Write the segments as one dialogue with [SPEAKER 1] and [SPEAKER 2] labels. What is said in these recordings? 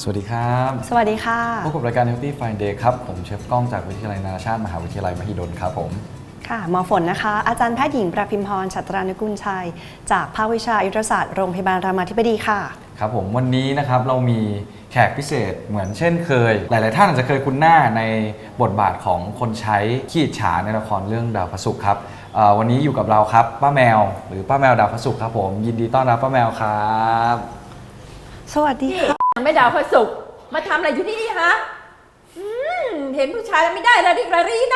[SPEAKER 1] สวัสดีครับ
[SPEAKER 2] สวัสดีค่ะ
[SPEAKER 1] พบกับรายการ Healthy Fine Day ครับผมเชฟก้องจากวิทยาลัยนานาชาติมหาวิทยาลัยมหิดลครับผม
[SPEAKER 2] ค่ะหมอฝนนะคะอาจารย์แพทย์หญิงประพิมพร ฉัตรานุกุลชัยจากภาควิชาอายุรศาสตร์โรงพยาบาลรามาธิบดีค่ะ
[SPEAKER 1] ครับผมวันนี้นะครับเรามีแขกพิเศษเหมือนเช่นเคยหลายๆท่านอาจจะเคยคุ้นหน้าในบทบาทของคนใช้ขี้อิจฉาในละครเรื่องดาวพระศุกร์ครับวันนี้อยู่กับเราครับป้าแมวหรือป้าแมวดาวพระศุกร์ครับผมยินดีต้อนรับป้าแมวครับ
[SPEAKER 2] สวัสดีค่ะ
[SPEAKER 3] แม่ดาวพระศุกร์มาทำอะไรอยู่ที่นี่ฮะเห็นผู้ชายแล้วไม่ได้ระดิกระรีนะ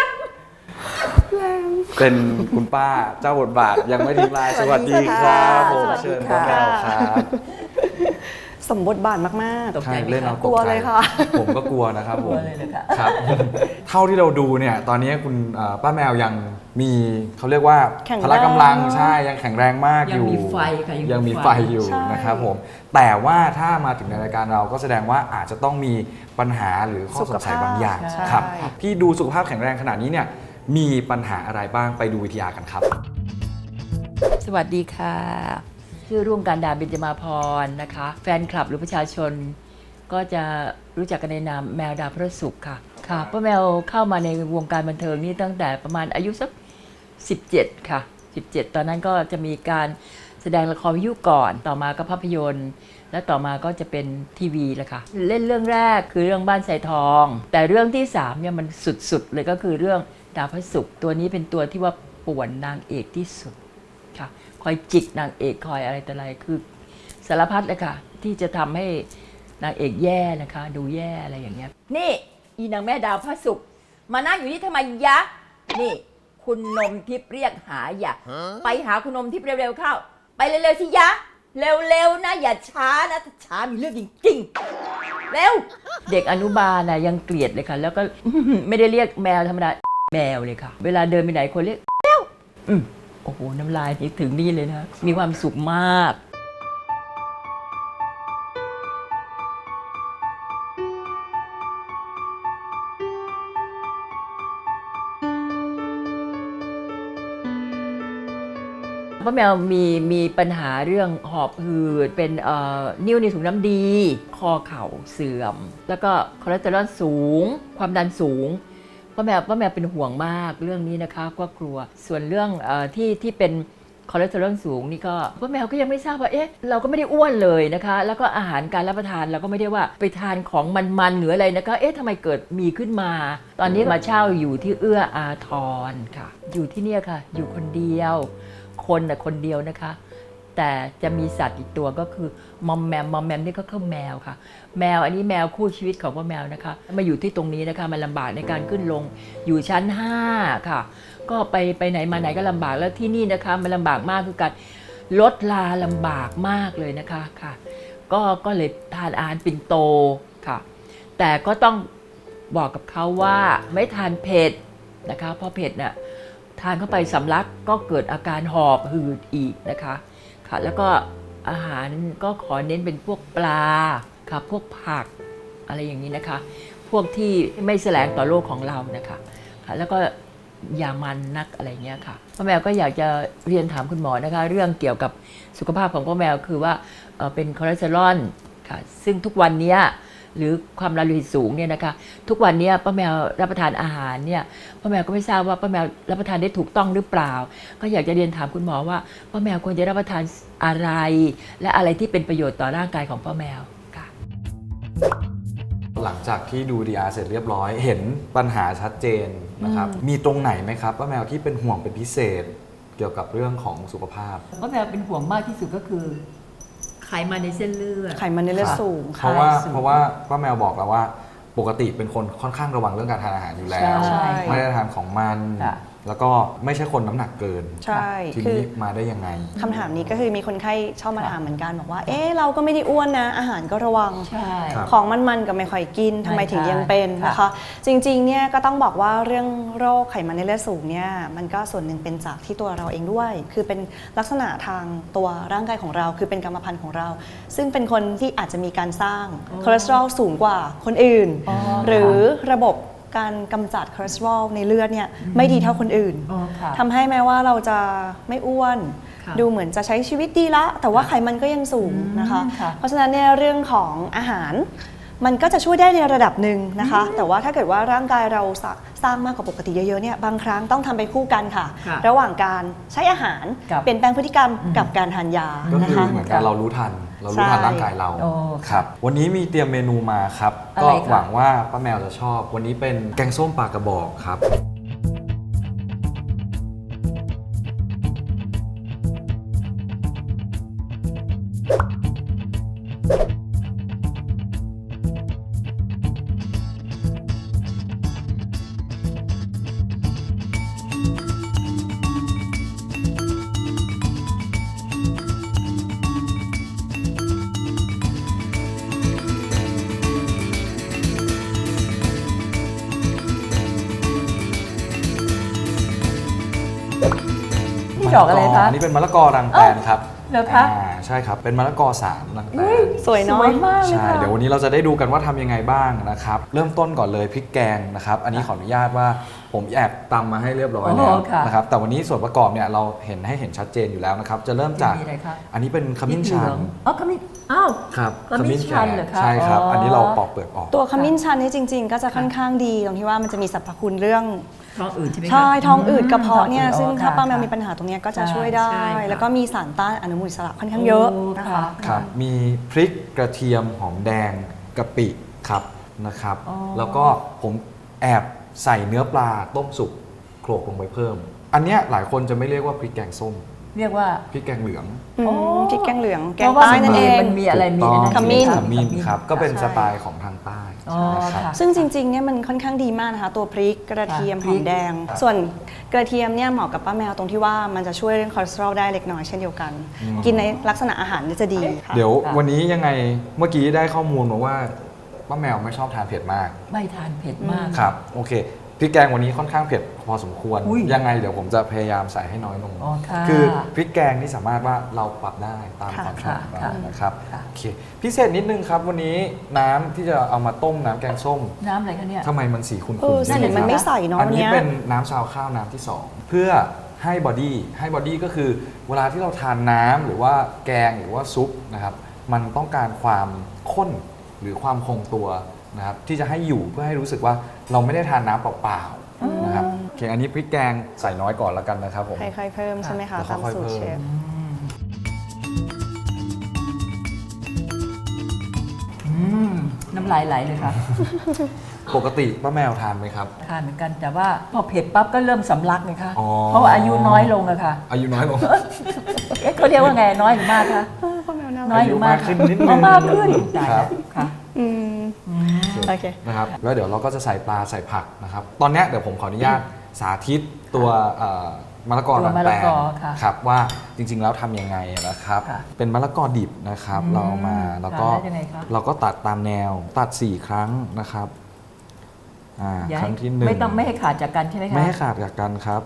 [SPEAKER 1] เป็นคุณป้าเจ้าบทบาทยังไม่ทิ้งลายสวัสดีครับผมเชิญป้าแมวครับ
[SPEAKER 2] สมบทบาทมาก
[SPEAKER 1] ๆใช่เล่นเอาตกใจ
[SPEAKER 2] กลัวเลยค่ะ
[SPEAKER 1] ผมก็กลัวนะครับผม
[SPEAKER 3] เลยนะคะ
[SPEAKER 1] ครับเท่าที่เราดูเนี่ยตอนนี้คุณป้าแมวยังมีเขาเรียกว่าพละกำลังใช่ยังแข็งแรงมากอยู่
[SPEAKER 3] ยังมีไฟค่ะ
[SPEAKER 1] ยังมีไฟอยู่นะครับผมแต่ว่าถ้ามาถึงในรายการเราก็แสดงว่าอาจจะต้องมีปัญหาหรือข้อสงสัยบางอย่างครับที่ดูสุขภาพแข็งแรงขนาดนี้เนี่ยมีปัญหาอะไรบ้างไปดูวิทยากันครับ
[SPEAKER 3] สวัสดีค่ะชื่อรุ่งการดาเบญจมาพรนะคะแฟนคลับหรือประชาชนก็จะรู้จักกันในนามแมวดาวพระศุกร์ค่ะค่ะป้าแมวเข้ามาในวงการบันเทิงนี่ตั้งแต่ประมาณอายุสัก17ค่ะ17ตอนนั้นก็จะมีการแสดงละครวิทยุก่อนต่อมาก็ภาพยนตร์และต่อมาก็จะเป็นทีวีแหละค่ะเล่นเรื่องแรกคือเรื่องบ้านทรายทองแต่เรื่องที่3เนี่ยมันสุดๆเลยก็คือเรื่องดาวพระศุกร์ตัวนี้เป็นตัวที่ว่าป่วนนางเอกที่สุดค่ะคอยจิกนางเอกคอยอะไรแต่อะไรคือสารพัดเลยค่ะที่จะทำให้นางเอกแย่นะคะดูแย่อะไรอย่างเงี้ยนี่อีนางแม่ดาวพระศุกร์มานั่งอยู่นี่ทำไมยะนี่คุณนมทิพย์เรียกหาอย่าไปหาคุณนมทิพย์เร็วๆเข้าไปเร็วๆสิยะเร็วๆนะอย่าช้านะถ้าช้ามีเรื่องจริงๆเร็วเด็กอนุบาลนะยังเกลียดเลยค่ะแล้วก็ ไม่ได้เรียกแมวธรรมดาแมวเลยค่ะเวลาเดินไปไหนคนเรียกแมวโอ้โหน้ำลายนี่ถึงนี่เลยนะมีความสุขมากป้าแมวมีปัญหาเรื่องหอบหืดเป็นนิ่วในถุงน้ำดีคอเข่าเสื่อมแล้วก็คอเลสเตอรอลสูงความดันสูงป้าแมวเป็นห่วงมากเรื่องนี้นะคะก็กลัวส่วนเรื่องที่เป็นคอเลสเตอรอลสูงนี่ก็ป้าแมวก็ยังไม่ทราบว่าเราก็ไม่ได้อ้วนเลยนะคะแล้วก็อาหารการรับประทานเราก็ไม่ได้ว่าไปทานของมันหรืออะไรนะคะทำไมเกิดมีขึ้นมาตอนนี้มาเช่าอยู่ที่เอื้ออาทรค่ะอยู่ที่เนี่ยค่ะอยู่คนเดียวคนเดียวนะคะแต่จะมีสัตว์อีกตัวก็คือมอมแมมนี่ก็คือแมวค่ะแมวอันนี้แมวคู่ชีวิตของป้าแมวนะคะมาอยู่ที่ตรงนี้นะคะมันลำบากในการขึ้นลงอยู่ชั้น5ค่ะก็ไปไหนมาไหนก็ลำบากแล้วที่นี่นะคะมันลำบากมากคือการลดลาลำบากมากเลยนะคะค่ะก็เลยทานอาหารปิ่นโตค่ะแต่ก็ต้องบอกกับเขาว่าไม่ทานเผ็ดนะคะเพราะเผ็ดน่ะทานเข้าไปสำลักก็เกิดอาการหอบหืดอีกนะคะค่ะแล้วก็อาหารก็ขอเน้นเป็นพวกปลาค่ะพวกผักอะไรอย่างนี้นะคะพวกที่ไม่แสลงต่อโรคของเรานะคะค่ะแล้วก็อย่ามันนักอะไรเงี้ยค่ะป้าแมวก็อยากจะเรียนถามคุณหมอนะคะเรื่องเกี่ยวกับสุขภาพของป้าแมวคือว่าเป็นคอเลสเตอรอลค่ะซึ่งทุกวันนี้หรือความดันโลหิตสูงเนี่ยนะคะทุกวันนี้ป้าแมวรับประทานอาหารเนี่ยป้าแมวก็ไม่ทราบว่าป้าแมวรับประทานได้ถูกต้องหรือเปล่าก็อยากจะเรียนถามคุณหมอว่าป้าแมวควรจะรับประทานอะไรและอะไรที่เป็นประโยชน์ต่อร่างกายของป้าแมวค่ะ
[SPEAKER 1] หลังจากที่ดูดีอาร์เสร็จเรียบร้อยเห็นปัญหาชัดเจนนะครับมีตรงไหนไหมครับป้าแมวที่เป็นห่วงเป็นพิเศษเกี่ยวกับเรื่องของสุขภาพ
[SPEAKER 3] ป้าแมวเป็นห่วงมากที่สุดก็คือไขมันในเส้นเลือด
[SPEAKER 2] ไขมันในเลือดสูง
[SPEAKER 1] เพราะว่าป้าแมวบอกแล้วว่าปกติเป็นคนค่อนข้างระวังเรื่องการทานอาหารอยู่แล้วไม่ได้ทานของมันแล้วก็ไม่ใช่คนน้ำหนักเกิน
[SPEAKER 2] ใช่
[SPEAKER 1] ทีนี้มาได้ยังไง
[SPEAKER 2] คำถามนี้ก็คือมีคนไข้ชอบมาถามเหมือนกันบอกว่าเราก็ไม่ได้อ้วนนะอาหารก็ระวังของมันก็ไม่ค่อยกินทำไมถึงยังเป็นนะคะจริงๆเนี่ยก็ต้องบอกว่าเรื่องโรคไขมันในเลือดสูงเนี่ยมันก็ส่วนหนึ่งเป็นจากที่ตัวเราเองด้วยคือเป็นลักษณะทางตัวร่างกายของเราคือเป็นกรรมพันธุ์ของเราซึ่งเป็นคนที่อาจจะมีการสร้างคอเลสเตอรอลสูงกว่าคนอื่นหรือระบบการกำจัดคอเลสเตอรอลในเลือดเนี่ยไม่ดีเท่าคนอื่นทำให้แม้ว่าเราจะไม่อ้วนดูเหมือนจะใช้ชีวิตดีละแต่ว่าไขมันก็ยังสูงนะคะเพราะฉะนั้นเนี่ยเรื่องของอาหารมันก็จะช่วยได้ในระดับหนึ่งนะคะ แต่ว่าถ้าเกิดว่าร่างกายเราสร้างมากกว่าปกติเยอะๆเนี่ยบางครั้งต้องทำไปคู่กันค่ะ ระหว่างการใช้อาหารเปลี่ยนแปลงพฤติกรรมกับการทานยา
[SPEAKER 1] ก็
[SPEAKER 2] นะ
[SPEAKER 1] คือ
[SPEAKER 2] คะ
[SPEAKER 1] เหมือนกันเรารู้ทันร่างกายเรา
[SPEAKER 3] โอ้
[SPEAKER 1] ครับวันนี้มีเตรียมเมนูมาครับ
[SPEAKER 3] อะไร
[SPEAKER 1] ก็
[SPEAKER 3] คะ
[SPEAKER 1] หวังว่าป้าแมวจะชอบ วันนี้เป็นแกงส้มปลากระบอกครับ
[SPEAKER 3] นี่ดอกอะไรคะ
[SPEAKER 1] อันนี้เป็นมะละกอรังแตนครับ
[SPEAKER 3] เหรอคะ
[SPEAKER 1] ใช่ครับ เป็นมะละกอ3รังแตน
[SPEAKER 2] สวยเนาะ
[SPEAKER 3] สวยมากเลย
[SPEAKER 1] ใช่
[SPEAKER 3] ค่ะ
[SPEAKER 1] เดี๋ยววันนี้เราจะได้ดูกันว่าทำยังไงบ้างนะครับ เริ่มต้นก่อนเลยพริกแกงนะครับ อันนี้ขออนุญาตว่าผมแอบตำมาให้เรียบร้อยแล้วนะครับ แต่วันนี้ส่วนประกอบเนี่ยเราเห็นชัดเจนอยู่แล้วนะครับ จะเริ่มจาก
[SPEAKER 3] มีอะไรคะ
[SPEAKER 1] อันนี้เป็นขมิ้นชัน
[SPEAKER 3] อ๋อขมิ้นอ้าว
[SPEAKER 1] ครับ
[SPEAKER 3] ขมิ้นชันเหรอคะ
[SPEAKER 1] ใช่ครับ
[SPEAKER 3] อ๋ออั
[SPEAKER 1] อันนี้เราปอกเปลือกออก
[SPEAKER 2] ตัวขมิ้นชันนี่จริง ๆ ก็จะค่อนข้างดีตรงที่ว่ามันจะมีสรรพคุณเรื่อง
[SPEAKER 3] ท้องอืดใช่ไหมคะ
[SPEAKER 2] ใช่ท้องอืดกระเพาะเนี่ย
[SPEAKER 3] ท้องอืด
[SPEAKER 2] ซึ่งถ้า
[SPEAKER 3] ค่ะ
[SPEAKER 2] ป้าแมวมีปัญหาตรงเนี้ยก็จะช่วยได้
[SPEAKER 3] ใช่ค่ะ
[SPEAKER 2] แล้วก็มีสารต้านอนุมูลอิสระค่อนข้างเยอะนะคะ
[SPEAKER 1] ครับ มีพริกกระเทียมหอมแดงกะปิครับนะครับ
[SPEAKER 3] อ๋อ
[SPEAKER 1] แล้วก็ผมแอบใส่เนื้อปลาต้มสุกโขลกลงไปเพิ่ม อันเนี้ยหลายคนจะไม่เรียกว่าพริกแกงส้ม
[SPEAKER 3] เรียกว่า
[SPEAKER 1] พริกแกงเหลือง
[SPEAKER 2] อืม
[SPEAKER 3] อ๋อ
[SPEAKER 2] พริกแกงเหลืองแก
[SPEAKER 3] เพ
[SPEAKER 2] ง
[SPEAKER 3] ราะว่า
[SPEAKER 2] ใต้นั่นเอง
[SPEAKER 3] มันมีอะไรมี
[SPEAKER 1] ถูกต้อง
[SPEAKER 3] อันนั้น
[SPEAKER 2] ขมิ้น
[SPEAKER 1] ขมิ้นครับ ก็เป็น
[SPEAKER 2] ใช่
[SPEAKER 1] สไตล์ของทางใต้
[SPEAKER 3] อ๋อ
[SPEAKER 1] นะครับ
[SPEAKER 3] ค่ะ
[SPEAKER 2] ซึ่งจริงๆเนี่ยมันค่อนข้างดีมากนะคะตัวพริกกระเทียม
[SPEAKER 3] ค่ะ
[SPEAKER 2] หอมแดง ส่วนกระเทียมเนี่ยเหมาะกับป้าแมวตรงที่ว่ามันจะช่วยเรื่องคอเลสเตอรอลได้เล็กน้อยเช่นเดียวกัน กินในลักษณะอาหารเนี่ยจะดีค่ะ
[SPEAKER 1] เดี๋ยว
[SPEAKER 3] ค่ะ
[SPEAKER 1] วันนี้ยังไงเมื่อกี้ได้ข้อมูลมาว่าป้าแมวไม่ชอบทานเผ็ดมาก
[SPEAKER 3] ไม่ทานเผ็ดมาก
[SPEAKER 1] ครับโอเคพริกแกงวันนี้ค่อนข้างเผ็ดพอสมควร
[SPEAKER 3] อุ้ย
[SPEAKER 1] ยังไงเดี๋ยวผมจะพยายามใส่ให้น้อยลง
[SPEAKER 3] อ๋อค่ะ
[SPEAKER 1] คือพริกแกงนี่สามารถว่าเราปรับได้ตาม
[SPEAKER 2] ค่ะ
[SPEAKER 1] ความชอบของเรา
[SPEAKER 3] ค่ะ
[SPEAKER 1] นะครับ
[SPEAKER 3] ค่ะ
[SPEAKER 1] โอเคพิเศษนิดนึงครับวันนี้น้ำที่จะเอามาต้มน้ำแกงส้ม
[SPEAKER 3] น้ำอะไรคะเนี่ย
[SPEAKER 1] ทำไมมันสีขุ่น
[SPEAKER 2] เออ
[SPEAKER 1] ๆ
[SPEAKER 2] ใช่
[SPEAKER 1] ใช่ไห
[SPEAKER 2] มัน
[SPEAKER 1] ครับ
[SPEAKER 2] ไม่ใส่เนอะ
[SPEAKER 1] อันนี้
[SPEAKER 2] อันเนี้ย
[SPEAKER 1] เป็นน้ำชาวข้าวน้ำที่ 2 เพื่อให้บอดี้ก็คือเวลาที่เราทานน้ำหรือว่าแกงหรือว่าซุปนะครับมันต้องการความข้นหรือความคงตัวนะครับที่จะให้อยู่เพื่อให้รู้สึกว่าเราไม่ได้ทานน้ำเปล่าๆนะครับโอเคอันนี้พริกแกงใส่น้อยก่อนแล้วกันนะครับผม
[SPEAKER 2] ค่อยๆเพิ่มใช่ไหมคะ
[SPEAKER 1] แล้ว
[SPEAKER 2] ตาม
[SPEAKER 1] ค่อยๆ
[SPEAKER 2] สูตร
[SPEAKER 1] เพิ่ม
[SPEAKER 2] เชฟ
[SPEAKER 3] น้ำลายไหลเลยค่ะ
[SPEAKER 1] ปกติป้าแมวทานไหมครับ
[SPEAKER 3] ทานเหมือนกันแต่ว่าพอเผ็ดปั๊บก็เริ่มสำลักเลยค่ะ
[SPEAKER 1] อ๋อ
[SPEAKER 3] เพราะว่าอายุน้อยลงอะค่ะ
[SPEAKER 1] อายุน้อยลง
[SPEAKER 3] เอ๊ะเขาเรียกว่าไงน้อยหรือมากคะน้อยหรือมาก
[SPEAKER 1] อายุมากขึ้นนิดนึง
[SPEAKER 3] อ๋อมากขึ้นตาย
[SPEAKER 1] ครั
[SPEAKER 3] แล้
[SPEAKER 1] บ
[SPEAKER 3] วค่ะ
[SPEAKER 2] อืมโอเค
[SPEAKER 1] นะครับแล้วเดี๋ยวเราก็จะใส่ปลาใส่ผักนะครับ ตอนเนี้ยเดี๋ยวผมขออนุญาตสาธิตตัวมะละกอ
[SPEAKER 3] ตัว
[SPEAKER 1] รัง
[SPEAKER 3] มะ
[SPEAKER 1] แต
[SPEAKER 3] ละ
[SPEAKER 1] น
[SPEAKER 3] กอค่ะ
[SPEAKER 1] ครับว่าจริงๆแล้วทำยังไงนะครับ
[SPEAKER 3] ค่ะ
[SPEAKER 1] เป็นมะละกอดิบนะครับ เราเอามาแล้วก็
[SPEAKER 3] ค่ะแล้วยังไงคะ
[SPEAKER 1] เราก็ตัดตามแนวตัด 4 ครั้งนะครับ
[SPEAKER 3] อย่า
[SPEAKER 1] ค
[SPEAKER 3] ให้
[SPEAKER 1] รั้งที่ 1
[SPEAKER 3] ไม่ให้ขาดจากกันใช่ไหมคะ
[SPEAKER 1] ไม่ให้ขาดจากกันครับ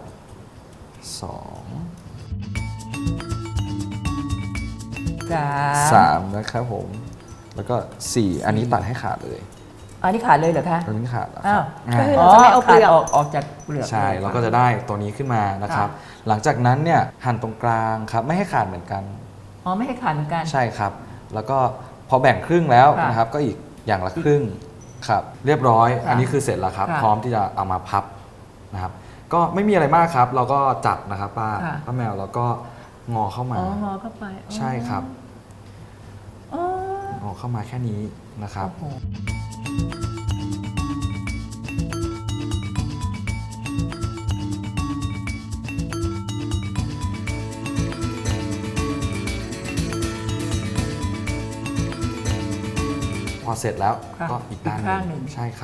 [SPEAKER 1] 2 3นะครับผมแล้วก็ 4 อันนี้ตัดให้ขาดเลย
[SPEAKER 3] อันนี้ขาดเลยเหรอคะ
[SPEAKER 1] อันนี้ขาดแล้วค
[SPEAKER 3] อ้า
[SPEAKER 1] รั
[SPEAKER 3] ว
[SPEAKER 1] บ
[SPEAKER 2] ก็คือ เราจะไม่เอาเปลือก
[SPEAKER 3] ขาดออกจากเปลือก
[SPEAKER 1] ใช่
[SPEAKER 3] ลย
[SPEAKER 1] เราก็จะได้ตัวนี้ขึ้นมานะครับ หลังจากนั้นเนี่ยหั่นตรงกลางครับไม่ให้ขาดเหมือนกัน
[SPEAKER 3] อ๋อไม่ให้ขาดเหมือนกัน
[SPEAKER 1] ใช่ครับ แล้วก็พอแบ่งครึ่งแล้ว
[SPEAKER 3] ค่ะ
[SPEAKER 1] นะครับก็อีกอย่างละครึ่งครับเรียบร้อย
[SPEAKER 3] ค่ะ
[SPEAKER 1] อันนี้คือเสร็จแล้วครับ
[SPEAKER 3] ค่ะ
[SPEAKER 1] พร้อมที่จะเอามาพับนะครับก็ไม่มีอะไรมากครับ เราก็จับนะครับป้า
[SPEAKER 3] ค่ะ
[SPEAKER 1] ป้าแมวแล้วก็งอเข้ามา
[SPEAKER 3] อ๋องอเข้าไปอ๋อ
[SPEAKER 1] ใช่ครับ
[SPEAKER 3] อ๋อง
[SPEAKER 1] อเข้ามาแค่นี้นะครับ
[SPEAKER 3] โอ้โห
[SPEAKER 1] พอเสร็จแล้ว
[SPEAKER 3] ค่ะ
[SPEAKER 1] ก็อีกด้านห
[SPEAKER 3] ข้างห
[SPEAKER 1] นึ่
[SPEAKER 3] นึ่
[SPEAKER 1] ง
[SPEAKER 3] ง
[SPEAKER 1] ใช่ครับ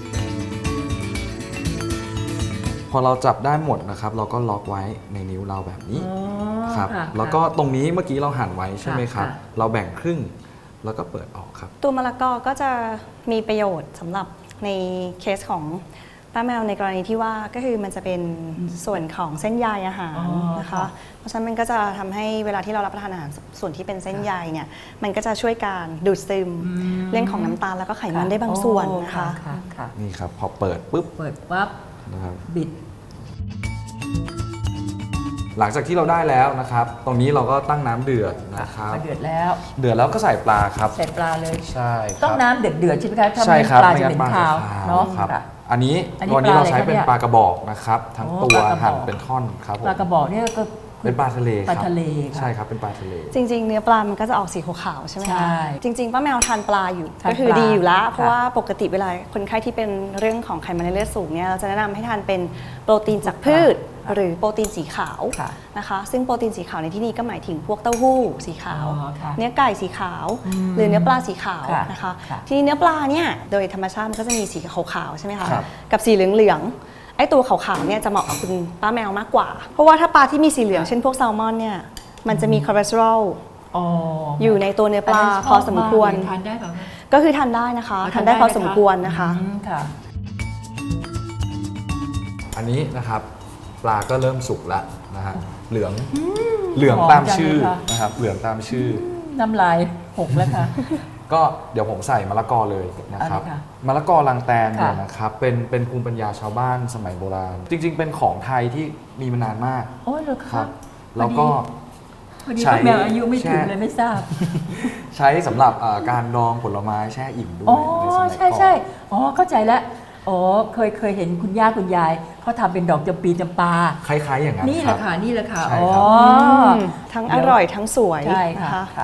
[SPEAKER 1] พอเราจับได้หมดนะครับ เราก็ล็อกไว้ในนิ้วเราแบบนี้
[SPEAKER 3] อ๋อ
[SPEAKER 1] ครับ
[SPEAKER 3] ค่ะ
[SPEAKER 1] แล้วก็ตรงนี้เมื่อกี้เราหั่นไว้ใช่ไหมครับ
[SPEAKER 3] ค่ะ
[SPEAKER 1] เราแบ่งครึ่งแล้วก็เปิดออกครับ
[SPEAKER 2] ตัวมะละกอก็จะมีประโยชน์สำหรับในเคสของป้าแมวในกรณีที่ว่าก็คือมันจะเป็นส่วนของเส้นใยอาหาร
[SPEAKER 3] อ๋อ
[SPEAKER 2] นะคะ
[SPEAKER 3] ค่ะ
[SPEAKER 2] เพราะฉะนั้นมันก็จะทำให้เวลาที่เรารับประทานอาหารส่วนที่เป็นเส้นใยเนี่ยมันก็จะช่วยการดูดซึมเรื่องของน้ำตาลแล้วก็ไขมันได้บางส่วนนะคะ
[SPEAKER 3] ค่ะค่ะ
[SPEAKER 1] นี่ครับพอเปิดปุ๊บ
[SPEAKER 3] เปิดปั๊บ
[SPEAKER 1] นะครับ
[SPEAKER 3] บิด
[SPEAKER 1] หลังจากที่เราได้แล้วนะครับ ตรงนี้เราก็ตั้งน้ำเดือดนะครับ
[SPEAKER 3] เดือดแล้ว
[SPEAKER 1] เดือดแล้วก็ใส่ปลาครับ
[SPEAKER 3] ใส่ปลาเลย
[SPEAKER 1] ใช่ครับ
[SPEAKER 3] ต้องน้ำเดือดๆใช่ไหมคะถ้า
[SPEAKER 1] ใช่
[SPEAKER 3] ไม่
[SPEAKER 1] ครับ
[SPEAKER 3] ปลา
[SPEAKER 1] ไม่
[SPEAKER 3] จะ
[SPEAKER 1] งั้
[SPEAKER 3] เป็น น
[SPEAKER 1] ปลา
[SPEAKER 3] คาว
[SPEAKER 1] จะ
[SPEAKER 3] เนาะ
[SPEAKER 1] ครับ
[SPEAKER 3] ค่ะ
[SPEAKER 1] อันนี้
[SPEAKER 3] อันนี้
[SPEAKER 1] วันนี้เรา
[SPEAKER 3] ปลาอะไร
[SPEAKER 1] ใช้เป็น
[SPEAKER 3] ครับเนี่ย
[SPEAKER 1] ปลากระบอกนะครับทั้ง
[SPEAKER 3] อ๋อ
[SPEAKER 1] ตัว
[SPEAKER 3] ปลากระบอก
[SPEAKER 1] หั่นเป็นท่อนครับผม
[SPEAKER 3] ปลากระบอกเนี่ยก็
[SPEAKER 1] เป็นปลาทะเล
[SPEAKER 3] ปลา
[SPEAKER 1] ครับ
[SPEAKER 3] ทะเลค่ะ
[SPEAKER 1] ใช่ครับเป็นปลาทะเล
[SPEAKER 2] จริงๆ เนื้อปลามันก็จะออกสีขาวๆใช่ไหม
[SPEAKER 3] ใช่
[SPEAKER 2] คะจริงๆป้าแมวทานปลาอยู่
[SPEAKER 3] ทาน
[SPEAKER 2] ก็คือ
[SPEAKER 3] ปลา
[SPEAKER 2] ดีอยู่แล้วเพราะ
[SPEAKER 3] ค่ะ
[SPEAKER 2] ว่าปกติเวลาคนไข้ที่เป็นเรื่องของไขมันในเลือดสูงเนี่ยเราจะแนะนำให้ทานเป็นโปรตีนจากพืช หรือโปรตีนสีขาว
[SPEAKER 3] ค่ะ
[SPEAKER 2] นะคะซึ่งโปรตีนสีขาวในที่นี้ก็หมายถึงพวกเต้าหู้สีขาว
[SPEAKER 3] อ๋อค่ะ
[SPEAKER 2] เนื้อไก่สีขาว หรือเนื้อปลาสีขาว
[SPEAKER 3] ค่ะ
[SPEAKER 2] นะคะ
[SPEAKER 3] ค่ะ
[SPEAKER 2] ทีนี้เนื้อปลาเนี่ยโดยธรรมชาติมันก็จะมีสีขาวๆใช่ไหมคะ
[SPEAKER 1] ครับ
[SPEAKER 2] กับสีเหลืองๆไอ้ตัวขาวๆเนี่ยจะเหมาะกับคุณป้าแมวมากกว่า เพราะว่าถ้าปลาที่มีสีเหลืองเช่นพวกแซลมอนเนี่ยมันจะมีคอเลสเตอรอล
[SPEAKER 3] อ๋อ
[SPEAKER 2] อยู่ในตัวเนื้อปลา
[SPEAKER 3] นนั้นชบ
[SPEAKER 2] พอสมควร
[SPEAKER 3] ากเลยทานได้เปล่าคะ
[SPEAKER 2] ก็คือทานได้นะคะ
[SPEAKER 3] อ๋อ
[SPEAKER 2] ทานได้พอสมควรนะคะ
[SPEAKER 3] ค่ะ
[SPEAKER 1] อันนี้นะครับปลาก็เริ่มสุกแล้วนะฮะเหลือง
[SPEAKER 3] หอม
[SPEAKER 1] ตาม
[SPEAKER 3] จัง
[SPEAKER 1] ชื่อ
[SPEAKER 3] เลยค่ะ
[SPEAKER 1] นะครับเหลืองตามชื่อ
[SPEAKER 3] น้ำลายหกแล้วค่ะ
[SPEAKER 1] ก็เดี๋ยวผมใส่มะละกอเลยนะครับ
[SPEAKER 3] เอาเลยค่ะ
[SPEAKER 1] มะละกอลังแตนเนี่ย
[SPEAKER 3] ค่ะ
[SPEAKER 1] นะครับเป็นภูมิปัญญาชาวบ้านสมัยโบราณ จริง ๆ เป็นของไทยที่มีมานานมาก
[SPEAKER 3] โอ้ยเหรอ
[SPEAKER 1] ค
[SPEAKER 3] คะ
[SPEAKER 1] รับแล้วก็
[SPEAKER 3] พอดี
[SPEAKER 1] ใช้
[SPEAKER 3] ป้าแมวอายุไม่ถึง
[SPEAKER 1] แช่
[SPEAKER 3] เลยไม่ทราบ
[SPEAKER 1] ใช้สำหรับการดองผลไม้แช่อิ่มด้ว
[SPEAKER 3] อ๋อย
[SPEAKER 1] ในสมัย
[SPEAKER 3] ใช่
[SPEAKER 1] ก่อน
[SPEAKER 3] ใช่อ๋อเข้าใจแล้วอ๋อเคยเห็นคุณย่าคุณยายเขาทำเป็นดอกจำปีจำปา
[SPEAKER 1] คล้ายๆอย่างนั้น
[SPEAKER 3] นี่แห
[SPEAKER 1] ครั
[SPEAKER 3] ละ
[SPEAKER 1] บ
[SPEAKER 3] ค่ะนี่แหละค่ะ
[SPEAKER 1] ใช่
[SPEAKER 3] อ๋อ
[SPEAKER 1] ครับ
[SPEAKER 2] ทั้งอร่อยทั้งสวย
[SPEAKER 3] ใช่
[SPEAKER 2] นะ
[SPEAKER 3] ค่ะ
[SPEAKER 2] คะ
[SPEAKER 3] ค่ะ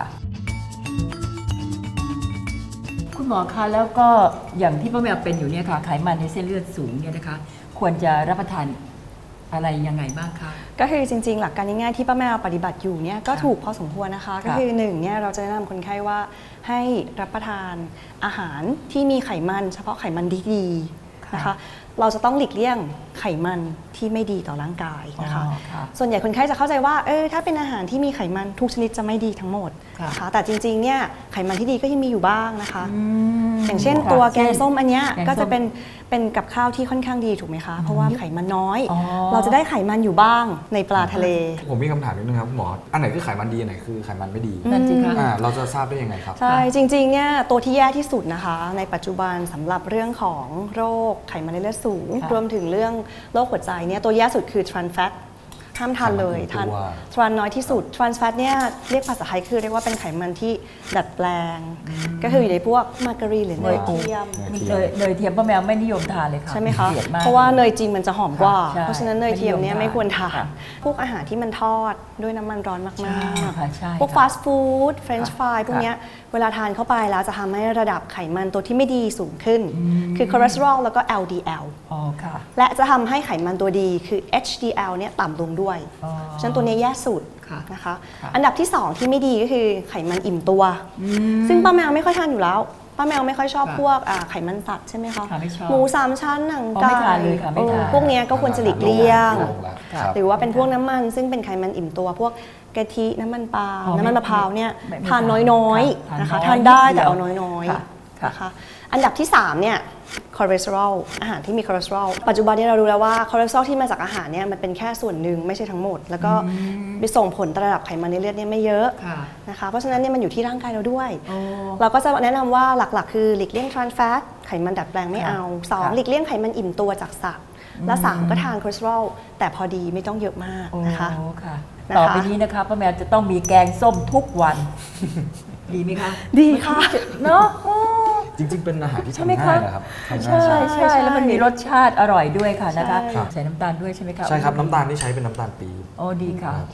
[SPEAKER 3] คุณหมอคะแล้วก็อย่างที่ป้าแมวเป็นอยู่เนี่ยค่ะไขมันในเส้นเลือดสูงเนี่ยนะคะ ควรจะรับประทานอะไรยังไงบ้างคะ
[SPEAKER 2] ก็คือจริงๆ หลักการง่ายๆที่ป้าแมวปฏิบัติอยู่เนี่ยก็ถูกพอสมควรนะคะ ก็คือหนึ่งเนี่ยเราจะแนะนำคนไข้ว่าให้รับประทานอาหารที่มีไขมันเฉพาะไขมันดีๆนะคะ เราจะต้องหลีกเลี่ยงไขมันที่ไม่ดีต่อร่างกายนะคะ
[SPEAKER 3] อ๋อค่ะ
[SPEAKER 2] ส่วนใหญ่คนไข้จะเข้าใจว่าถ้าเป็นอาหารที่มีไขมันทุกชนิดจะไม่ดีทั้งหมด
[SPEAKER 3] ค่ะ
[SPEAKER 2] นะคะแต่จริงๆเนี่ยไขมันที่ดีก็ยังมีอยู่บ้างนะคะ
[SPEAKER 3] ม
[SPEAKER 2] อย่างเช่น
[SPEAKER 3] ค่ะ
[SPEAKER 2] ตัวแกงส้มอันเนี้ย
[SPEAKER 3] แกงส้ม
[SPEAKER 2] ก็จะเป็นกับข้าวที่ค่อนข้างดีถูกไหมคะ เพราะว่าไขมันน้อย
[SPEAKER 3] อ๋อ
[SPEAKER 2] เราจะได้ไขมันอยู่บ้างในปลาทะเล
[SPEAKER 1] ผมมีคำถามนิดนึงครับคุณหมออันไหนคือไขมันดีอันไหนคือไขมันไม่ดี
[SPEAKER 3] นั่นสิคะ
[SPEAKER 1] เราจะทราบได้ยังไงครับ
[SPEAKER 2] ใช่จริงๆเนี่ยตัวที่แย่ที่สุดนะคะ ในปัจจุบันสำหรับเรื่องของโรคไขมันในเลือดสูง
[SPEAKER 3] ค่ะ
[SPEAKER 2] รวมถึงเรื่องโรคหัวใจเนี่ยตัวแย่สุดคือ trans fat ห้ามทานเลย
[SPEAKER 1] ไขมัน
[SPEAKER 2] ทาน
[SPEAKER 1] ตัว
[SPEAKER 2] trans น้อยที่สุด trans fat เนี่ยเรียกภาษาไทยคือเรียกว่าเป็นไขมันที่ดัดแปลง ก็คืออยู่ในพวกมาการีนหรือเนยเทียม
[SPEAKER 3] เนยเทียมป้าแมวไม่นิยมทานเลยค่ะ
[SPEAKER 2] ใช่ไหมคะ
[SPEAKER 3] เกลียดมาก
[SPEAKER 2] เพราะว่าเนยจริงมันจะหอมกว่า
[SPEAKER 3] ใช่
[SPEAKER 2] เพราะฉะนั้นเนยเทียมเนี่ยไม่ควรทาน
[SPEAKER 3] ค่ะ
[SPEAKER 2] พวกอาหารที่มันทอดด้วยน้ำมันร้อนมาก
[SPEAKER 3] ใช่ค่ะใช่
[SPEAKER 2] ๆ พวก
[SPEAKER 3] ค่ะ
[SPEAKER 2] ฟาสต์ฟู้ดเฟรนช์ฟรายพวก
[SPEAKER 3] ค่ะ
[SPEAKER 2] เนี้ยเวลาทานเข้าไปแล้วจะทำให้ระดับไขมันตัวที่ไม่ดีสูงขึ้น คือคอเลสเตอรอลแล้วก็ LDL
[SPEAKER 3] อ๋อค่ะ
[SPEAKER 2] และจะทำให้ไขมันตัวดีคือ HDL เนี่ยต่ำลงด้วย
[SPEAKER 3] อ๋อ
[SPEAKER 2] เพราะฉะนั้นตัวเนี้ยแย่สุด
[SPEAKER 3] ค่ะ
[SPEAKER 2] นะคะ
[SPEAKER 3] ค่ะ
[SPEAKER 2] อันดับที่ 2 ที่ไม่ดีก็คือไขมันอิ่มตัว ซึ่งป้าแมวไม่ค่อยทานอยู่แล้ว ป้าแมวไม่ค่อยชอบ
[SPEAKER 3] ค่ะ
[SPEAKER 2] พวกไขมันสัตว์ใช่ไหมคะ
[SPEAKER 3] ค่ะไม่ชอบ
[SPEAKER 2] หมูสามชั้นหนัง
[SPEAKER 3] อ๋อ
[SPEAKER 2] ไก่
[SPEAKER 3] ไม่ทานเลยค่ะไม่ทาน
[SPEAKER 2] พวกเนี้ยก็ควรจะหลีกเลี่ยง
[SPEAKER 1] ลงแล้วครับ
[SPEAKER 2] หรือว่าเป็นพวกน้ำมันซึ่งเป็นไขมันอิ่มตัว พวกกะทิน้ำมันปาล์ม
[SPEAKER 3] อ๋อ
[SPEAKER 2] น้ำมันมะพร้าวเนี่ย
[SPEAKER 3] ไม่
[SPEAKER 2] ทานน้อย
[SPEAKER 3] ค่ะ
[SPEAKER 2] ๆนะคะ
[SPEAKER 3] ทา
[SPEAKER 2] ทาน น
[SPEAKER 3] น้
[SPEAKER 2] ได้
[SPEAKER 3] อยนิดเดี
[SPEAKER 2] แต่
[SPEAKER 3] ยว
[SPEAKER 2] เอาน้อย
[SPEAKER 3] ค่ะ
[SPEAKER 2] ๆ
[SPEAKER 3] ค่ะ
[SPEAKER 2] นะคะอันดับที่3เนี่ยคอเลสเตอรอลอาหารที่มีคอเลสเตอรอลปัจจุบันนี้เรารู้แล้วว่าคอเลสเตอรอลที่มาจากอาหารเนี่ยมันเป็นแค่ส่วนหนึ่งไม่ใช่ทั้งหมด แล้วก็ไปส่งผลต่อระดับไขมันในเลือดเนี่ยไม่เยอะ
[SPEAKER 3] ค่ะ
[SPEAKER 2] นะคะเพราะฉะนั้นเนี่ยมันอยู่ที่ร่างกายเราด้วย
[SPEAKER 3] โอ้
[SPEAKER 2] เราก็จะแนะนำว่าหลักๆ คือหลีกเลี่ยงทรานส์แฟตไขมันดัดแปลงไม่เอา
[SPEAKER 3] ค่ะ
[SPEAKER 2] 2 หลีกเลี่ยงไขมันอิ่มตัวจากสัตว์ และ 3 ก็ทานคอเลสเตอรอลแต่พอดีไม่ต้องเยอะมากนะคะ
[SPEAKER 3] โอ้ค่ะ
[SPEAKER 2] นะคะ
[SPEAKER 3] ต่อไปนี้นะคะป้าแมวจะต้องมีแกงส้มทุกวัน ดีไหมคะ
[SPEAKER 2] ดีค่ะ
[SPEAKER 3] เนาะโอ้
[SPEAKER 1] จริง ๆ เป็นอาหารที่
[SPEAKER 3] ใช่ไหม
[SPEAKER 1] ทำ
[SPEAKER 3] คะ
[SPEAKER 1] ง่ายนะครับทำ
[SPEAKER 3] ใช่
[SPEAKER 1] ง่าย
[SPEAKER 3] ใช่แล้วมันมีรสชาติอร่อยด้วยค่ะนะคะ
[SPEAKER 2] ใช่
[SPEAKER 3] ใส่น้ำตาลด้วยใช่ไหมคะ
[SPEAKER 1] ใช่ครับน้ำตาลที่ใช้เป็นน้ำตาลปี๊บ
[SPEAKER 3] โอ้ดีค่ะ
[SPEAKER 1] ครับ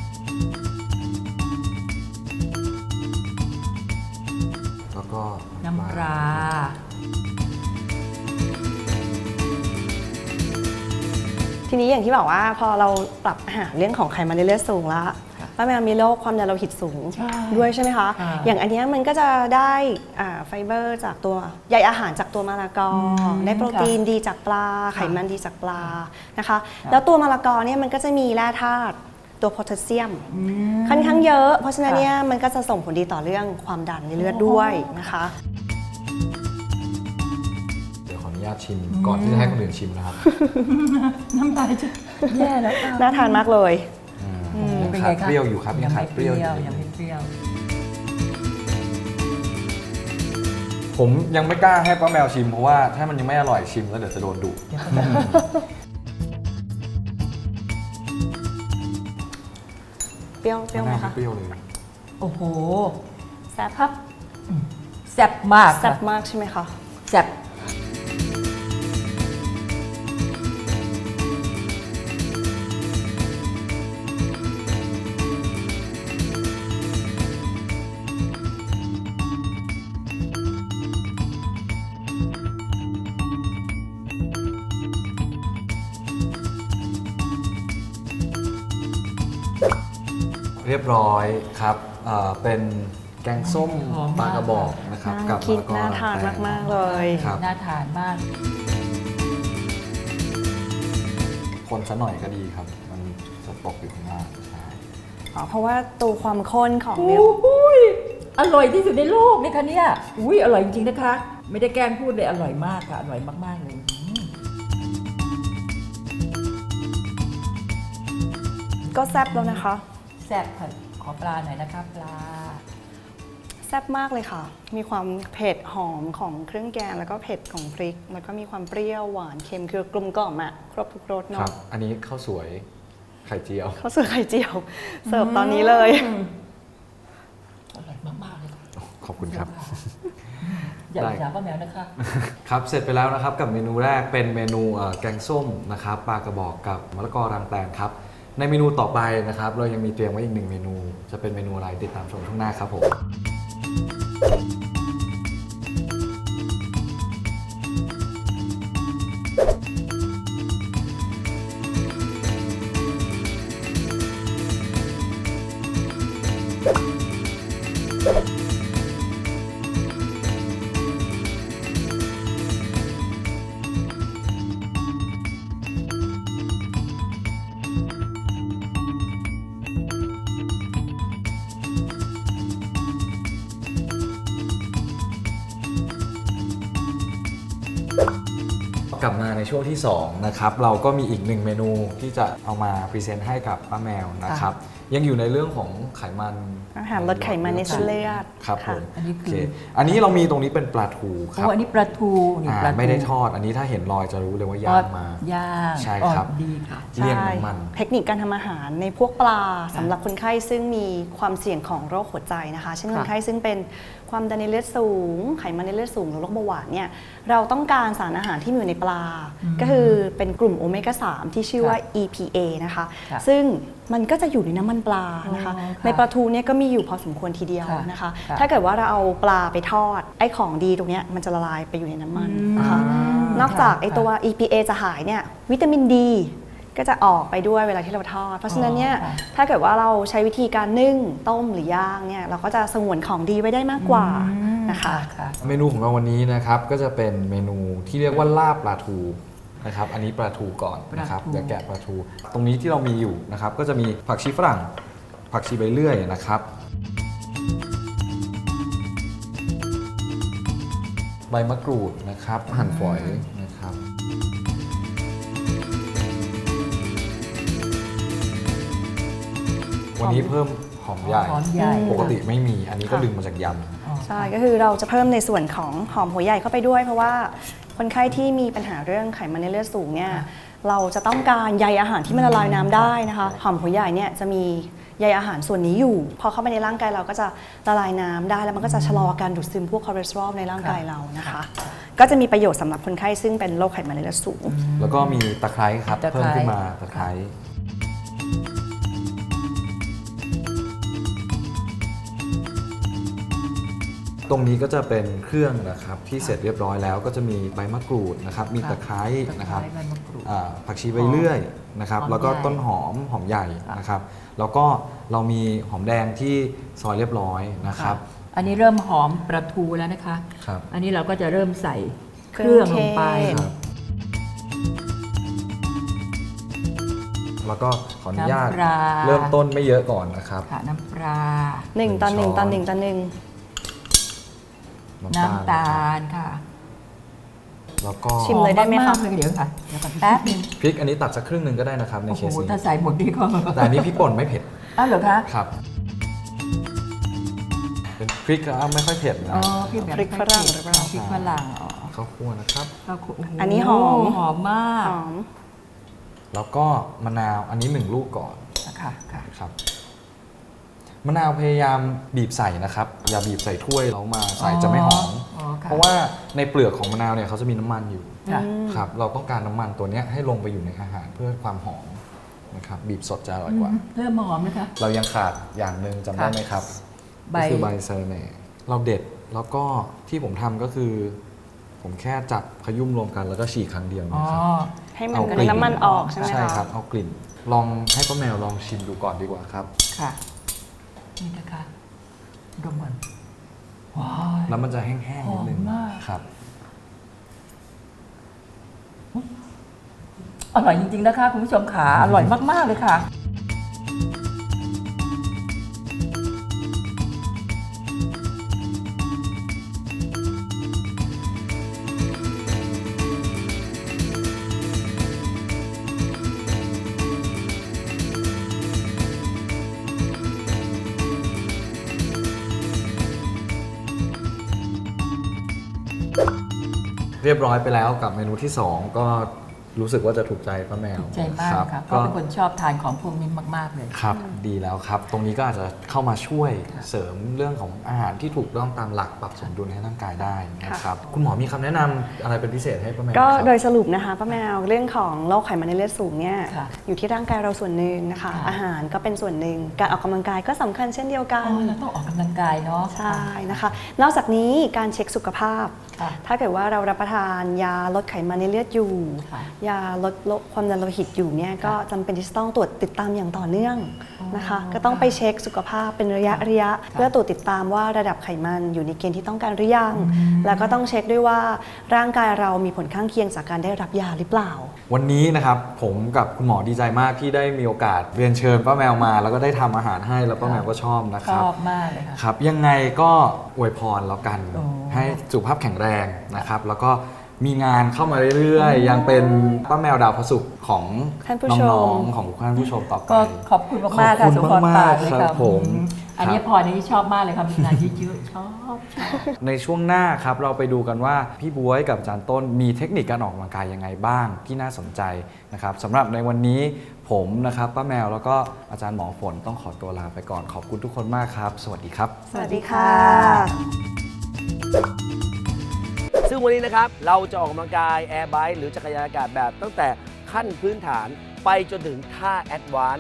[SPEAKER 1] แล้วก็
[SPEAKER 3] น้ำปลา
[SPEAKER 2] ทีนี้อย่างที่บอกว่าพอเราปรับอาหารเรื่องของไขมันในเลือดสูงแล้วป้าแมวมีโรคความดันโลหิตสูง
[SPEAKER 3] ใช่
[SPEAKER 2] ด้วยใช่ไหมคะ
[SPEAKER 3] ค่ะ
[SPEAKER 2] อย่างอันเนี้ยมันก็จะได้ไฟเบอร์จากตัวใยอาหารจากตัวมะละกอได้โปรตีนดีจากปลา ไขมันดีจากปลานะคะ แล้วตัวมะละกอเนี่ยมันก็จะมีแร่ธาตุตัวโพแทสเซียม ค่อนข้างเยอะ เพราะฉะนั้นเนี่ยมันก็จะส่งผลดีต่อเรื่องความดันในเลือดด้วยนะคะ
[SPEAKER 1] เดี๋ยวขออนุญาตชิมก่อนที่จะให้คนอื่นชิมนะครับ
[SPEAKER 3] น้ำลายจะแย่แล้วค่ะ
[SPEAKER 2] น่าทานมากเลย
[SPEAKER 1] ยัง
[SPEAKER 3] เป็น
[SPEAKER 1] ขา
[SPEAKER 3] ไง
[SPEAKER 1] ด
[SPEAKER 3] คะ
[SPEAKER 1] เปรี้ยวอยู่ครับยังขาดเปรี้ยวอยู่
[SPEAKER 3] ยังไม่เปรี้ยว
[SPEAKER 1] ผมยังไม่กล้าให้ป้าแมวชิมเพราะว่าถ้ามันยังไม่อร่อยชิมแล้วเดี๋ยวจะโดนดุ
[SPEAKER 2] รี้ยวเปรี้ยวไหม
[SPEAKER 1] มะนาว
[SPEAKER 2] คะ
[SPEAKER 1] เปรี้ยวเลย
[SPEAKER 3] โอ้โห
[SPEAKER 2] แซ่บ
[SPEAKER 3] ครับแซ่บมาก
[SPEAKER 2] แซ่
[SPEAKER 3] ค่ะ
[SPEAKER 2] บมากใช่ไหมคะ
[SPEAKER 3] แซ่บ
[SPEAKER 1] เรียบร้อยครับเป็นแกงส้มปลากระบอกนะครับ
[SPEAKER 2] น่า
[SPEAKER 1] กับ
[SPEAKER 2] คิด
[SPEAKER 1] มะละกอ
[SPEAKER 2] น่าทาน
[SPEAKER 1] แตง
[SPEAKER 2] มากๆเลย
[SPEAKER 1] ครับ
[SPEAKER 3] น่าทานมาก
[SPEAKER 1] คนซะหน่อยก็ดีครับ มันจะตกอยู่ข้างล่างใช่
[SPEAKER 2] อ๋อเพราะว่าตัวความข้นของเนื้อ
[SPEAKER 3] อุ้ยอร่อยที่สุดในโลกเลยค่ะเนี่ยอุ้ยอร่อยจริงๆนะคะ ไม่ได้แกล้งพูดเลยอร่อยมากค่ะอร่อยมากๆเลย
[SPEAKER 2] ก็แซ่บแล้วนะคะ
[SPEAKER 3] แซ่บค่ะขอปลาหน่อยนะคะปลา
[SPEAKER 2] แซ่บมากเลยค่ะ มีความเผ็ดหอมของเครื่องแกงแล้วก็เผ็ดของพริก แล้วก็มีความเปรี้ยวหวานเค็มคือกลมกล่อมอะครบทุกรส
[SPEAKER 1] ครั
[SPEAKER 2] เนาะ
[SPEAKER 1] บ อันนี้ข้าวสวยไข่เจียว
[SPEAKER 2] ข้าวสวยไข่เจียว เสิร์ฟตอนนี้เลย
[SPEAKER 3] อร่อยมากๆเลยค่ะ
[SPEAKER 1] ขอบคุณครับ
[SPEAKER 3] อย่า
[SPEAKER 1] ได้
[SPEAKER 3] อิจฉาป้าแมวนะคะ
[SPEAKER 1] ครับเสร็จไปแล้วนะครับกับเมนูแรกเป็นเมนูแกงส้มนะครับปลากระบอกกับมะละกอรางแตงครับในเมนูต่อไปนะครับเรายังมีเตรียมไว้อีก1เมนูจะเป็นเมนูอะไรติดตามชมช่วงหน้าครับผมกลับมาในช่วงที่2นะครับเราก็มีอีก1เมนูที่จะเอามาพรีเซนต์ให้กับป้าแมวนะครับยังอยู่ในเรื่องของไขมัน
[SPEAKER 2] อาหารลดไขมันในเส้นเลือด
[SPEAKER 1] ครับผ
[SPEAKER 2] ค่ะ
[SPEAKER 1] ม
[SPEAKER 3] อันนี้คือ
[SPEAKER 1] โอันนี้เรามีตรงนี้เป็นปลาทูค
[SPEAKER 3] โอ้
[SPEAKER 1] รับ
[SPEAKER 3] อันนี้ปลาทูนี่ปลาทู
[SPEAKER 1] ไม่ได้ทอดอันนี้ถ้าเห็นรอยจะรู้เลยว่าย่างมา
[SPEAKER 3] ย่าง
[SPEAKER 1] ใช่ครับ
[SPEAKER 3] อ๋อดีค่ะ
[SPEAKER 1] เลี่ยงน้ำมัน
[SPEAKER 2] เทคนิคการทำอาหารในพวกปลาสำหรับคนไข้ซึ่งมีความเสี่ยงของโรคหัวใจนะคะเช่นคนไข้ซึ่งเป็นความดันในเลือดสูง ไขมันในเลือดสูงหรือโรคเบาหวานเนี่ยเราต้องการสารอาหารที่มีอยู่ในปลา ก็คือเป็นกลุ่มโอเมก้า 3 ที่ชื่อว่า EPA นะคะ
[SPEAKER 3] ค่ะ
[SPEAKER 2] ซึ่งมันก็จะอยู่ในน้ำมันปลานะคะ
[SPEAKER 3] อ๋อค่ะ
[SPEAKER 2] ในปลาทูเนี่ยก็มีอยู่พอสมควรทีเดียว
[SPEAKER 3] ค่ะ
[SPEAKER 2] นะคะ
[SPEAKER 3] ค่ะ
[SPEAKER 2] ถ้าเกิดว่าเราเอาปลาไปทอดไอ้ของดีตรงเนี้ยมันจะละลายไปอยู่ในน้ำมันนะคะ นอกจากไอ้ตัว EPA จะหายเนี่ยวิตามินดีก็จะออกไปด้วยเวลาที่เราทอด เพราะฉะนั้นเนี่ย
[SPEAKER 3] ค่ะ
[SPEAKER 2] ถ้าเกิดว่าเราใช้วิธีการนึ่งต้มหรือย่างเนี่ยเราก็จะสงวนของดีไว้ได้มากกว่านะคะ
[SPEAKER 3] ค่ะ
[SPEAKER 1] เมนูของเราวันนี้นะครับก็จะเป็นเมนูที่เรียกว่าลาบปลาทูนะครับอันนี้ปลาทูก่อนนะครับ
[SPEAKER 3] ปลาทู
[SPEAKER 1] เดี๋ยวแกะปลาทู ตรงนี้ที่เรามีอยู่นะครับก็จะมีผักชีฝรั่ง ผักชีใบเลื่อยนะครับใบมะกรูดนะครับหั่นฝอยนะครับวันนี้เพิ่มหอมใหญ่
[SPEAKER 3] หอมใหญ่
[SPEAKER 1] ปกติไม่มีอันนี้ก็
[SPEAKER 2] ค่ะ
[SPEAKER 1] ดึงมาจากย
[SPEAKER 2] ใช่ก็คือเราจะเพิ่มในส่วนของหอมหัวใหญ่เข้าไปด้วย เพราะว่าคนไข้ที่มีปัญหาเรื่องไขมันในเลือดสูงเนี่ยเราจะต้องการใยอาหารที่มันละลายน้ำได้นะคะหอมหัวใหญ่เนี่ยจะมีใยอาหารส่วนนี้อยู่พอเข้าไปในร่างกายเราก็จะละลายน้ำได้แล้วมันก็จะชะลอการดูดซึมพวกคอเลสเตอรอลในร่างกายเรานะคะ ก็จะมีประโยชน์สำหรับคนไข้ซึ่งเป็นโรคไขมันในเลือดสูง
[SPEAKER 1] ำแล้วก็มีตะไคร้ครับ
[SPEAKER 3] ตะไคร้
[SPEAKER 1] เพิ่มขึ้นมาตะไคร้ตรงนี้ก็จะเป็นเครื่องนะครับที่เสร็จเรียบร้อยแล้วก็จะมีใบมะกรูดนะครับมีตะไคร้นะครับ
[SPEAKER 3] ตไใบมะกรูด
[SPEAKER 1] ผักชีใบเลื่อยนะครับ
[SPEAKER 3] หอม
[SPEAKER 1] แล้วก็
[SPEAKER 3] ใหญ่
[SPEAKER 1] ต้นหอมใหญ่นะครับ แล้วก็เรามีหอมแดงที่ซอยเรียบร้อยนะครับ
[SPEAKER 3] อันนี้เริ่มหอมปลาทูแล้วนะคะ
[SPEAKER 1] ครับ
[SPEAKER 3] อันนี้เราก็จะเริ่มใส่เครื่องลงไป
[SPEAKER 2] เครื่องเทศ
[SPEAKER 1] ครับแล้วก็ขออนุญาต
[SPEAKER 3] น้ำปลา
[SPEAKER 1] เริ่มต้นไม่เยอะก่อนนะครับ
[SPEAKER 3] ค่ะน้ำปลา
[SPEAKER 2] 1 ต่อ 1 ต่อ 1 ต่อ 1
[SPEAKER 3] น้ำตาลค่ะ
[SPEAKER 1] แล้วก็
[SPEAKER 2] ชิมเลยได้ไหมคะ
[SPEAKER 3] อากๆเลยเดี๋ยวค่ะเดี๋ยวก่อนแป๊บนึง
[SPEAKER 1] พริกอันนี้ตัดสักครึ่งหนึ่งก็ได้นะครับใน
[SPEAKER 3] โอ้
[SPEAKER 1] เค
[SPEAKER 3] โห
[SPEAKER 1] สนี้
[SPEAKER 3] ถ้าใส่หมดดีก็
[SPEAKER 1] แต่อันนี้พริกป่นไม่เผ็ด
[SPEAKER 3] อ้าวเหรอคะ
[SPEAKER 1] ครับ เป็นพริกไม่ค่อยเผ็ดนะ
[SPEAKER 3] อ๋อพี่แบบ
[SPEAKER 2] พริกฝรั่งหรือเปล่า
[SPEAKER 3] พริกฝรั่งอ๋อ
[SPEAKER 1] ข้าวคั่วนะครับ
[SPEAKER 3] ข้าวคั่วโโ
[SPEAKER 2] อันนี้หอม
[SPEAKER 3] หอมมาก
[SPEAKER 2] หอม
[SPEAKER 1] แล้วก็มะนาวอันนี้1 ลูกก่อน
[SPEAKER 3] ค่ะค่ะ
[SPEAKER 1] ครับมะนาวพยายามบีบใส่นะครับ อย่าบีบใส่ถ้วยแล้วมาใส่จะไม่หอม
[SPEAKER 3] ค่ะ
[SPEAKER 1] เพราะว่าในเปลือกของมะนาวเนี่ยเขาจะมีน้ำมันอยู่
[SPEAKER 3] ค่ะ
[SPEAKER 1] ครับเราต้องการน้ำมันตัวเนี้ยให้ลงไปอยู่ในอาหารเพื่อความหอมนะครับบีบสดจะอร่อยกว่า
[SPEAKER 3] เริ่มหอมนะคะ
[SPEAKER 1] เรายังขาดอย่างหนึ่งจำได้ไหมครับ
[SPEAKER 3] ใบ
[SPEAKER 1] ก็คือใบสะระแหน่เราเด็ดแล้วก็ที่ผมทำก็คือ ผมแค่จับขยุ่มรวมกันแล้วก็ฉีกครั้งเดียว
[SPEAKER 3] อ๋อ
[SPEAKER 1] นะครับ
[SPEAKER 2] ให้มัน
[SPEAKER 1] เอา
[SPEAKER 2] ก
[SPEAKER 1] กลิ่
[SPEAKER 2] ระ
[SPEAKER 1] น
[SPEAKER 2] น้ำมันออกใช่ไหมคะ
[SPEAKER 1] ใช่ครับเอากลิ่น ลองให้ป้าแมวลองชิมดูก่อนดีกว่าครับ
[SPEAKER 3] ค่ะ นี่นะคะดมก่อนว้าว
[SPEAKER 1] แล้วมันจะแห้งๆนิดนึง
[SPEAKER 3] หอมมาก
[SPEAKER 1] ครับ
[SPEAKER 3] อร่อยจริงๆนะคะคุณผู้ชมขาอร่อยมากๆเลยค่ะ
[SPEAKER 1] เรียบร้อยไปแล้วกับเมนูที่ 2 ก็รู้สึกว่าจะถูกใจป้าแมว
[SPEAKER 3] ถูกใจมาก
[SPEAKER 1] รับ
[SPEAKER 3] ค่ะเพราะเป็นคนชอบทานของพวกนี้มากๆเลย
[SPEAKER 1] ครับดีแล้วครับ ตรงนี้ก็อาจจะเข้ามาช่วยเสริมเรื่องของอาหารที่ถูกต้องตามหลักปรับสมดุลให้ร่างกายได้นะครับ คุณหมอมีคำแนะนำอะไรเป็นพิเศษให้ป้าแมว
[SPEAKER 2] ก็
[SPEAKER 1] ครับ
[SPEAKER 2] โดยสรุปนะคะป้าแมวเรื่องของโรคไขมันในเลือดสูงเนี่ย
[SPEAKER 3] ค่ะ
[SPEAKER 2] อยู่ที่ร่างกายเราส่วนหนึ่งนะคะ
[SPEAKER 3] ค่ะ
[SPEAKER 2] อาหารก็เป็นส่วนหนึ่งการออกกำลังกายก็สำคัญเช่นเดียวกัน
[SPEAKER 3] อ๋อเราต้องออกกำลังกายเนาะ
[SPEAKER 2] ใช่นะคะ นอกจากนี้การเช็คสุขภาพ
[SPEAKER 3] ค่ะ
[SPEAKER 2] ถ้าเกิดว่าเรารับประทานยาลดไขมันในเลือดอยู่
[SPEAKER 3] ค่ะ
[SPEAKER 2] ยาลดความดันโลหิตอยู่เนี่ยก็จำเป็นที่จะต้องตรวจติดตามอย่างต่อเนื่องนะคะ
[SPEAKER 3] อ๋อ
[SPEAKER 2] ก็ต้องไปเช็คสุขภาพเป็นระยะเพื่อตรวจติดตามว่าระดับไขมันอยู่ในเกณฑ์ที่ต้องการหรือยัง แล้วก็ต้องเช็คด้วยว่าร่างกายเรามีผลข้างเคียงจากการได้รับยาหรือเปล่า
[SPEAKER 1] วันนี้นะครับผมกับคุณหมอดีใจมากที่ได้มีโอกาสเรียนเชิญป้าแมวมา แล้วก็ได้ทำอาหารให้แล้วป้าแมวก็ชอบนะค
[SPEAKER 3] ช
[SPEAKER 1] รับ
[SPEAKER 3] อบมากเลยค่ะ
[SPEAKER 1] ครับยังไงก็อวยพรแล้วกัน
[SPEAKER 3] โอ้
[SPEAKER 1] ให้สุขภาพแข็งแรงนะครับ แล้วก็มีงานเข้ามาเรื่อยๆ ยังเป็นป้าแมวดาวพระศุกร์ของ
[SPEAKER 2] ท่านผู้ชม
[SPEAKER 1] น้องๆของท่านผู้ชมต่อไป
[SPEAKER 3] ก็ขอบคุณมากๆค่ะ
[SPEAKER 1] ขอบคุณ
[SPEAKER 3] สุพร
[SPEAKER 1] มา
[SPEAKER 3] ปาก ก
[SPEAKER 1] ๆ
[SPEAKER 3] เลย
[SPEAKER 1] ครั
[SPEAKER 3] ค่ะ
[SPEAKER 1] บผม
[SPEAKER 3] อันนี้
[SPEAKER 1] ครับ
[SPEAKER 3] พอนี่ชอบมากเลยค่ะมีงานเยอะๆชอบชอบ
[SPEAKER 1] ในช่วงหน้าครับเราไปดูกันว่าพี่บ๊วยกับอาจารย์ต้นมีเทคนิคการออกกำลังกายยังไงบ้างที่น่าสนใจนะครับสำหรับในวันนี้ผมนะครับป้าแมวแล้วก็อาจารย์หมอฝนต้องขอตัวลาไปก่อนขอบคุณทุกคนมากครับ สวัสดีครับ
[SPEAKER 2] สวัสดีค่ะ
[SPEAKER 4] ซึ่งวันนี้นะครับเราจะออกกำลังกายแอร์ไบค์หรือจักรยานอากาศแบบตั้งแต่ขั้นพื้นฐานไปจนถึงท่าแอดวานซ์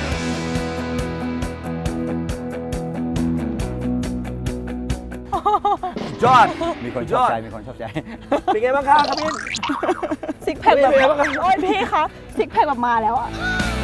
[SPEAKER 4] ยอด
[SPEAKER 5] มีคนชอบใจ มีคนชอบใจ
[SPEAKER 4] เป็นไงบ้างครับครับพี่
[SPEAKER 6] ซิกแพคแบบ
[SPEAKER 4] เป็นไงบ้างครับ
[SPEAKER 6] โอ้ยพี่คะซิกแพคแบบมาแล้วอะ
[SPEAKER 4] เ